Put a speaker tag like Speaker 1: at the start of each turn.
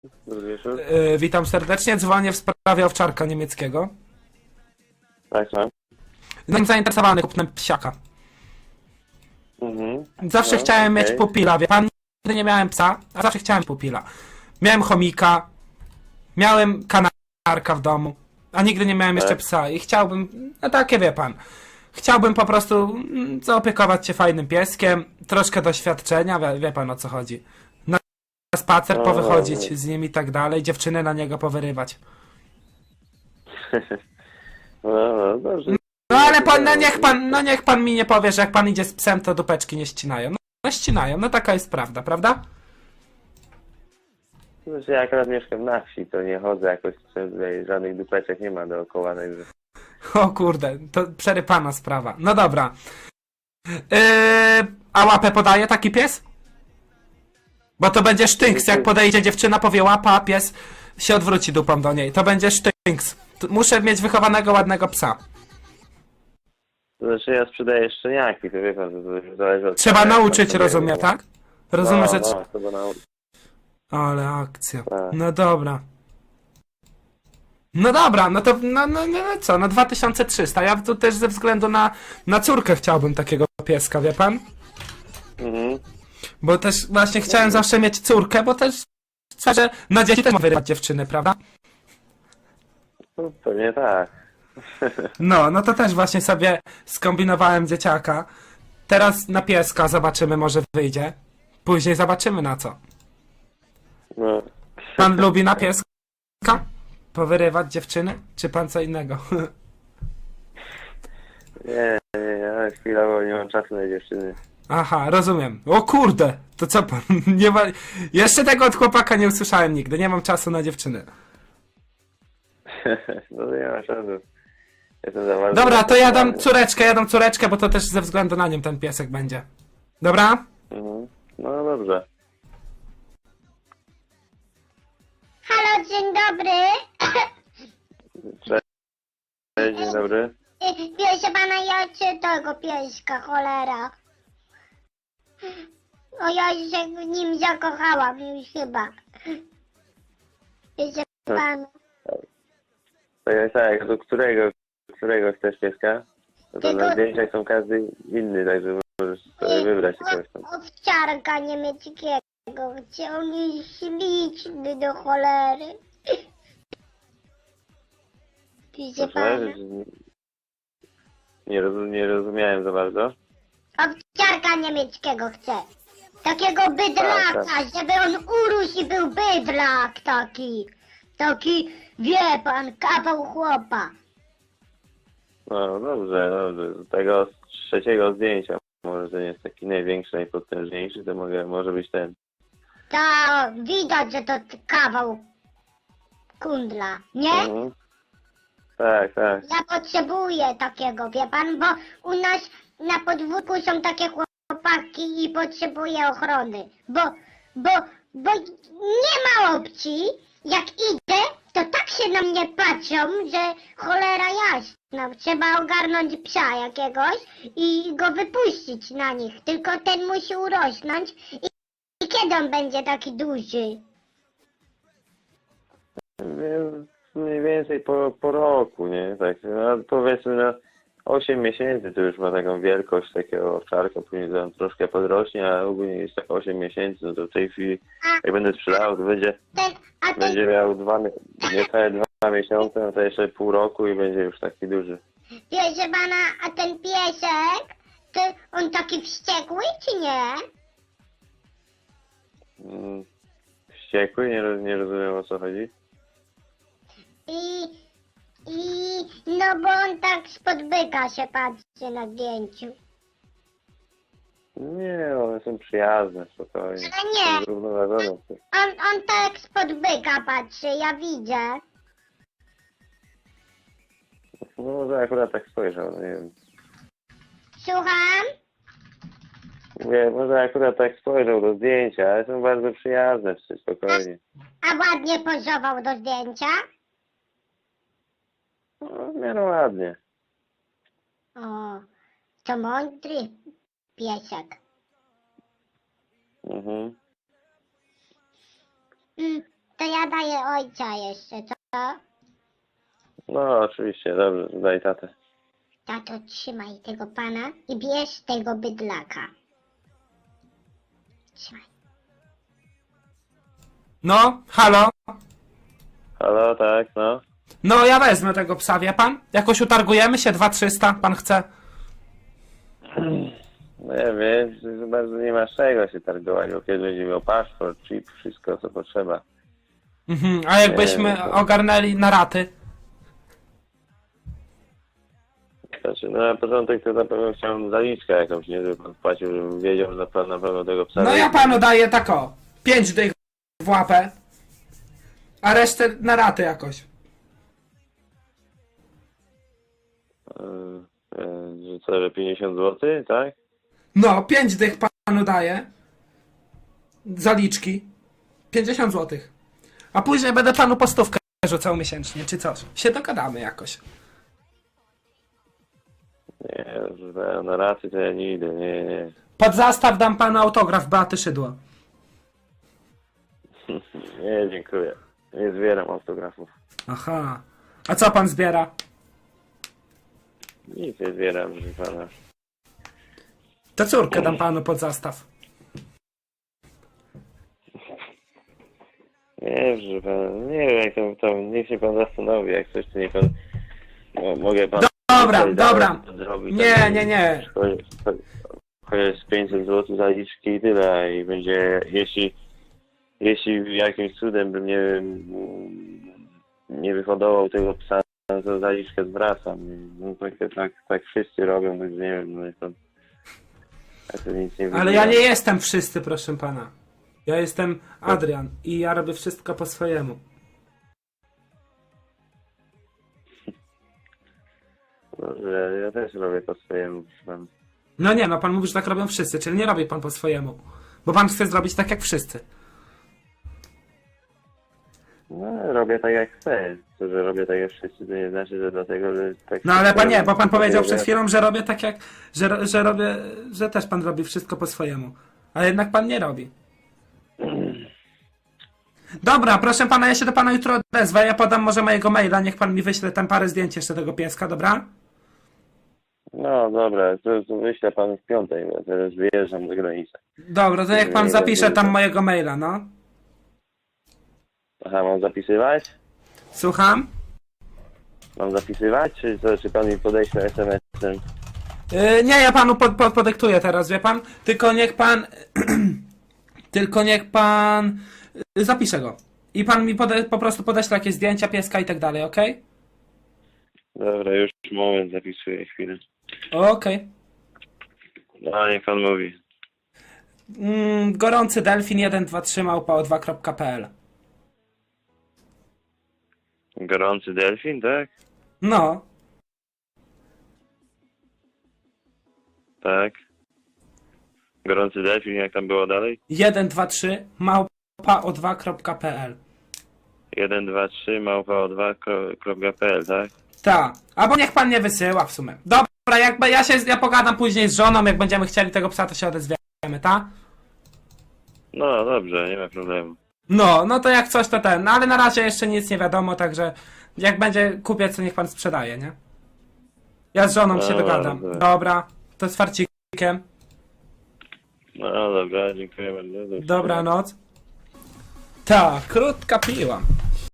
Speaker 1: Dobry wieczór.
Speaker 2: Witam serdecznie, dzwonię w sprawie owczarka niemieckiego.
Speaker 1: Tak, tak.
Speaker 2: Jestem zainteresowany kupnem psiaka.
Speaker 1: Mhm.
Speaker 2: Zawsze
Speaker 1: No,
Speaker 2: chciałem mieć
Speaker 1: okej.
Speaker 2: pupila, wie pan? Nigdy nie miałem psa, a zawsze chciałem pupila. Miałem chomika, miałem kanarka w domu, a nigdy nie miałem jeszcze
Speaker 1: Tak.
Speaker 2: psa i chciałbym, no takie wie pan, chciałbym po prostu zaopiekować się fajnym pieskiem, troszkę doświadczenia, wie pan o co chodzi. Na spacer
Speaker 1: No,
Speaker 2: powychodzić
Speaker 1: no.
Speaker 2: z nim i tak dalej, dziewczyny na niego powyrywać.
Speaker 1: No, dobrze.
Speaker 2: No ale pan, no niech pan mi nie powie, że jak pan idzie z psem, to dupeczki nie ścinają. No ścinają, no taka jest prawda, prawda?
Speaker 1: Znaczy, ja akurat mieszkam na wsi, to nie chodzę jakoś, tutaj żadnych dupeczek nie ma dookoła, także...
Speaker 2: O kurde, to przerypana sprawa. No dobra. A łapę podaje taki pies? Bo to będzie sztynks, jak podejdzie dziewczyna, powie łapa, a pies się odwróci dupą do niej. To będzie sztynks. Muszę mieć wychowanego, ładnego psa.
Speaker 1: To znaczy, ja sprzedaję szczeniaki, to wie pan, to już zależy od...
Speaker 2: Trzeba
Speaker 1: jak
Speaker 2: nauczyć,
Speaker 1: pan
Speaker 2: rozumiem,
Speaker 1: sobie-
Speaker 2: tak? Rozumiem, że...
Speaker 1: No, trzeba nauczyć.
Speaker 2: Ale akcja.
Speaker 1: Tak.
Speaker 2: No dobra. No dobra, no to no co, no 2300. Ja tu też ze względu na córkę chciałbym takiego pieska, wie pan?
Speaker 1: Mhm.
Speaker 2: Bo też właśnie chciałem zawsze mieć córkę, bo też że na dzieci też ma wyrywać dziewczyny, prawda?
Speaker 1: No, pewnie tak.
Speaker 2: No to też właśnie sobie skombinowałem dzieciaka. Teraz na pieska zobaczymy, może wyjdzie. Później zobaczymy na co.
Speaker 1: No.
Speaker 2: Pan lubi na pieska? Powyrywać dziewczyny? Czy pan co innego?
Speaker 1: Nie, ja chwilowo nie mam czasu na dziewczyny.
Speaker 2: Aha, rozumiem. O kurde, to co pan, nie ma... Jeszcze tego od chłopaka nie usłyszałem nigdy, nie mam czasu na dziewczyny.
Speaker 1: No to nie ma czasu. Jestem za bardzo...
Speaker 2: Dobra, to ja dam córeczkę, bo to też ze względu na nią ten piesek będzie. Dobra?
Speaker 1: Mhm. No dobrze.
Speaker 3: Halo, dzień dobry.
Speaker 1: Cześć, dzień dobry.
Speaker 3: Proszę pana, ja chcę tego pieska, cholera. O, ja się w nim zakochałam już chyba. Proszę pana.
Speaker 1: Tak, do którego chcesz pieska? No to
Speaker 3: Tego-
Speaker 1: na zdjęciach są każdy inny, także możesz sobie wybrać jakiegoś tam.
Speaker 3: Owczarka niemieckiego. Chcę, on jest śliczny do cholery. Proszę pana.
Speaker 1: Proszę, nie rozumiałem za bardzo.
Speaker 3: Owczarka niemieckiego chcę. Takiego bydlaka,
Speaker 1: Tak,
Speaker 3: żeby on urósł i był bydlak taki. Taki, wie pan, kawał chłopa.
Speaker 1: No dobrze. Do tego z trzeciego zdjęcia, może ten jest taki największy, najpotężniejszy, to może być ten.
Speaker 3: To widać, że to kawał kundla, nie?
Speaker 1: Mhm. Tak.
Speaker 3: Ja potrzebuję takiego, wie pan, bo u nas na podwórku są takie chłopaki i potrzebuję ochrony. Bo nie ma opcji, jak idę, to tak się na mnie patrzą, że cholera jasna. Trzeba ogarnąć psa jakiegoś i go wypuścić na nich. Tylko ten musi urosnąć i kiedy on będzie taki duży?
Speaker 1: Więc mniej więcej po roku, nie? Tak, no, powiedzmy na 8 miesięcy to już ma taką wielkość takiego owczarka, później tam troszkę podrośnie, a ogólnie jest tak 8 miesięcy, no to w tej chwili jak będę sprzedawał, to będzie miał niecałe 2 miesiące, no to jeszcze pół roku i będzie już taki duży.
Speaker 3: Proszę pana, a ten piesek, to on taki wściekły czy nie?
Speaker 1: Wściekły? Nie rozumiem, o co chodzi.
Speaker 3: No bo on tak spod byka się patrzy na zdjęciu.
Speaker 1: Nie, one są przyjazne, spokojnie.
Speaker 3: Ale nie.
Speaker 1: Są zrównoważone.
Speaker 3: On tak spod byka patrzy, ja widzę.
Speaker 1: No może akurat tak spojrzał, no nie wiem.
Speaker 3: Słucham?
Speaker 1: Mówię, może akurat tak spojrzał do zdjęcia, ale są bardzo przyjazne, spokojnie.
Speaker 3: A ładnie pozował do zdjęcia?
Speaker 1: No, w miarę ładnie.
Speaker 3: O, to mądry piesek.
Speaker 1: Mhm.
Speaker 3: to ja daję ojca jeszcze, co?
Speaker 1: No, oczywiście, dobrze, daj tatę.
Speaker 3: Tato, trzymaj tego pana i bierz tego bydlaka. Trzymaj.
Speaker 2: No, halo?
Speaker 1: Halo, tak, no.
Speaker 2: No, ja wezmę tego psa, wie pan? Jakoś utargujemy się, 2300, pan chce?
Speaker 1: No ja wiem, że bardzo nie masz czego się targować, bo kiedy będzie miał paszport, chip, wszystko co potrzeba.
Speaker 2: Mhm, a jakbyśmy ogarnęli na raty?
Speaker 1: Znaczy, no na początek to na pewno chciałem zaliczkę jakąś, nie, żeby pan płacił, żebym wiedział, że na pewno tego psa
Speaker 2: No ja
Speaker 1: weźmie.
Speaker 2: panu daję tak o, 5 dych w łapę, a resztę na raty jakoś.
Speaker 1: Że co, że 50 zł, tak?
Speaker 2: No, 5 dych panu daję. Zaliczki. 50 zł. A później będę panu po stówkę rzucał miesięcznie, czy coś. Się dogadamy jakoś.
Speaker 1: Nie, że na raty to ja nie idę, nie.
Speaker 2: Pod zastaw dam panu autograf Beaty Szydło.
Speaker 1: Nie, dziękuję. Nie zbieram autografów.
Speaker 2: Aha. A co pan zbiera?
Speaker 1: Nic nie zbieram, proszę pana.
Speaker 2: To córkę dam panu pod zastaw.
Speaker 1: Nie, proszę pana, nie wiem jak to niech się pan zastanowi, jak coś to niech pan... No, mogę pan...
Speaker 2: Dobra,
Speaker 1: coś
Speaker 2: dobra.
Speaker 1: zrobić,
Speaker 2: Nie,
Speaker 1: tak,
Speaker 2: nie, nie.
Speaker 1: Chociaż 500 zł zaliczki i tyle i będzie, jeśli jakimś cudem bym nie wyhodował tego psa, to zaliczkę zwracam. No tak wszyscy robią, więc nie wiem, no to nic nie
Speaker 2: Ale ja nie jestem wszyscy, proszę pana. Ja jestem Adrian i ja robię wszystko po swojemu.
Speaker 1: Dobrze, ja też robię po swojemu, proszę pana.
Speaker 2: No nie, no pan mówi, że tak robią wszyscy, czyli nie robi pan po swojemu. Bo pan chce zrobić tak jak wszyscy.
Speaker 1: No, robię tak jak chcę. To, że robię tak jak wszyscy, to nie znaczy, że dlatego, że tak...
Speaker 2: No ale pan nie, bo pan powiedział przed
Speaker 1: że-
Speaker 2: chwilą, że robię tak jak... Że robię... Że też pan robi wszystko po swojemu. Ale jednak pan nie robi. Dobra, proszę pana, ja się do pana jutro odezwę. Ja podam może mojego maila, niech pan mi wyśle tam parę zdjęć jeszcze tego pieska, dobra?
Speaker 1: No dobra, to wyślę panu w piątek, bo teraz wyjeżdżam za granicę.
Speaker 2: Dobra, to jak pan
Speaker 1: Nie,
Speaker 2: zapisze
Speaker 1: nie,
Speaker 2: tam
Speaker 1: nie.
Speaker 2: mojego maila, no.
Speaker 1: Aha, mam zapisywać?
Speaker 2: Słucham?
Speaker 1: Mam zapisywać, czy pan mi podeśle SMS-em?
Speaker 2: Nie, ja panu podyktuję teraz, wie pan? Tylko niech pan... Tylko niech pan... Zapiszę go. I pan mi po prostu podeśle jakieś zdjęcia pieska i tak dalej, okej?
Speaker 1: Dobra, już moment, zapisuję chwilę.
Speaker 2: Okej.
Speaker 1: No, niech pan mówi.
Speaker 2: Gorący delfin 123 małpa2.pl.
Speaker 1: Gorący delfin, tak?
Speaker 2: No.
Speaker 1: Tak. Gorący delfin, jak tam było dalej?
Speaker 2: 123 małpa2.pl.
Speaker 1: 123 małpa2.pl, tak?
Speaker 2: Tak. Albo niech pan nie wysyła w sumie. Dobra, jakby ja pogadam później z żoną, jak będziemy chcieli tego psa, to się odezwiemy, tak?
Speaker 1: No, dobrze, nie ma problemu.
Speaker 2: No to jak coś to ten, no ale na razie jeszcze nic nie wiadomo, także jak będzie kupiec, to niech pan sprzedaje, nie? Ja z żoną się dogadam.
Speaker 1: dobra.
Speaker 2: Dobra, to z farcikiem.
Speaker 1: No, dobra, dziękuję bardzo.
Speaker 2: Dobranoc. Tak, krótka piła.